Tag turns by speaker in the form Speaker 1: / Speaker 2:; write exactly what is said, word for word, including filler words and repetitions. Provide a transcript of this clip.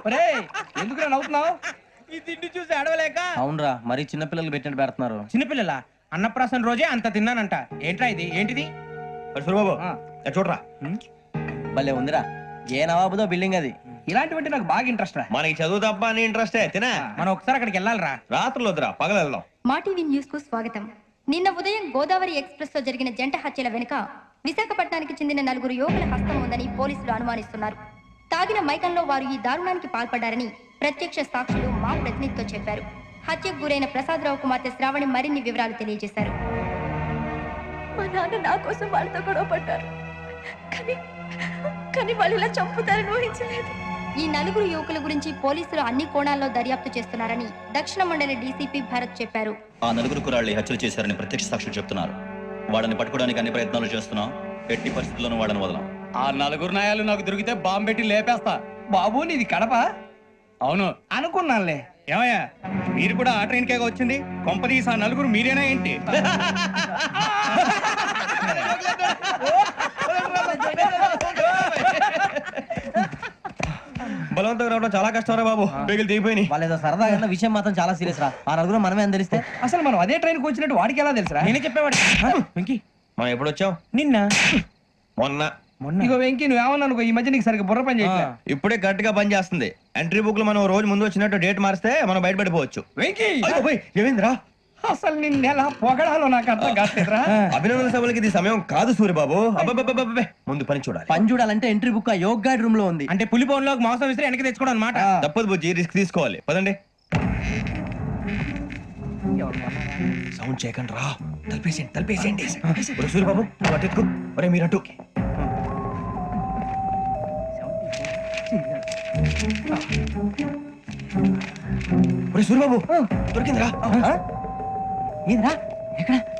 Speaker 1: ఎందుకు నవ్వుతున్నావు?
Speaker 2: ఈ తిండి చూసి అడవలేక.
Speaker 3: అవునరా, మరి చిన్నపిల్లలు పెట్టినట్టు పెడుతున్నారు.
Speaker 2: చిన్నపిల్లల అన్నప్రాసన రోజే అంత తిన్నానంట. ఏంట్రా ఇది? ఏంటిది?
Speaker 1: బాబు చూడరా,
Speaker 3: భలే ఉందిరా. ఏ నవాబుదో బిల్డింగ్ అది.
Speaker 1: ఇలాంటివంటే నాకు బాగా ఇంట్రెస్ట్ రా.
Speaker 4: మనకి చదువు తప్ప అని ఇంట్రెస్టే తినా.
Speaker 2: మనం ఒకసారి అక్కడికి వెళ్ళాలిరా.
Speaker 4: రాత్రులు వద్దురా, పగలు వెళ్దాం.
Speaker 5: మా టీవీ న్యూస్ కు స్వాగతం. నిన్న ఉదయం గోదావరి ఎక్స్ప్రెస్ లో జరిగిన జంట హత్యల వెనుక విశాఖపట్నానికి చెందిన నలుగురు యువకుల హస్తం ఉందని పోలీసులు అనుమానిస్తున్నారు. తాగిన మైకంలో వారు ఈ దారుణానికి పాల్పడ్డారని ప్రత్యక్ష సాక్షులు మా ప్రతినిధితో చెప్పారు. హత్యకు గురైన ప్రసాదరావు కుమార్తె శ్రావణి మరిన్ని వివరాలు తెలియజేశారు.
Speaker 6: మా నాన్న నా కోసం వాళ్ళతో గొడవ పడ్డారు, కానీ కానీ వాళ్ళు ఇలా చంపుతారని ఊహించలేదు.
Speaker 5: ఈ నలుగురు యువకుల గురించి పోలీసులు అన్ని కోణాల్లో దర్యాప్తు చేస్తున్నారని దక్షిణ మండలి డీసీపీ భరత్ చెప్పారు.
Speaker 7: ఆ నలుగురు కురాళ్ళు హత్యలు చేశారని ప్రత్యక్ష సాక్షులు చెప్తున్నారు. వాళ్ళని పట్టుకోవడానికి అన్ని ప్రయత్నాలు చేస్తున్నాం. ఎట్టి పరిస్థితుల్లోనూ వాళ్ళని వదలం.
Speaker 1: ఆ నలుగురు నాయాలు నాకు దొరికితే బాంబు పెట్టి లేపేస్తా. బాబు నీది కడప? అవును అనుకున్నానులే. ఏమయ్యా, మీరు కూడా ఆ ట్రైన్ కేగా వచ్చింది? కొంపదీసి ఆ నలుగురు మీరేనా ఏంటి?
Speaker 4: బలవంతంగా రావడం చాలా కష్టం రా బాబు. బేగులు దిగిపోయినాయి.
Speaker 3: వాళ్ళేదో సరదాగా విషయం మాత్రం చాలా సీరియస్ రా. ఆ నలుగురు మనమే అని తెలిస్తే
Speaker 1: అసలు మనం అదే ట్రైన్ కి వచ్చినట్టు వాడికి ఎలా తెలుసురా?
Speaker 2: నేనే చెప్పేవాడి. వెంకీ,
Speaker 4: మనం ఎప్పుడు వచ్చాం?
Speaker 2: నిన్న
Speaker 4: మొన్న.
Speaker 1: ఇగో వెంకీ, నువ్వేమన్నా అనుకో, ఈ మధ్య నీకు సరిగ్గా బుర్ర పని చేయట్లే.
Speaker 4: ఇప్పుడే కరెక్ట్ గా పని చేస్తుంది. ఎంట్రీ బుక్ లో మనం రోజు ముందు వచ్చినట్టు డేట్ మారిస్తే మనం బయటపడిపోవచ్చు.
Speaker 1: వెంకీ,
Speaker 4: ఏమైందిరా?
Speaker 1: అసలు నిన్న ఎలా పొగడాలో నాకు అర్థం కాట్లేదురా.
Speaker 4: అభినందన సభలకి ఇది సమయం కాదు సూర్యబాబు. అబ్బబ్బబ్బబ్బబ్బే, ముందు పని చూడాలి.
Speaker 3: పని చూడాలంటే ఎంట్రీ బుక్ ఆ యోగ్ గైడ్ రూమ్ లో ఉంది.
Speaker 2: అంటే పులి బోన్ లోకి మాంసం విసిరి వెనక్కి తెచ్చుకోవడం అనమాట.
Speaker 4: తప్పదు బుజ్జి, రిస్క్ తీసుకోవాలి. పదండి. సౌండ్ చేయకండి రా. తలపేసేయండి, తలపేసేయండి. ఒరే సూర్యబాబు, నువ్వు అటు ఎత్తుకో. ఒరే మీరు అటు. ఒరే సూర్యబాబు, దొరికిందిరా.
Speaker 3: ఏంద్రా? ఎక్కడ?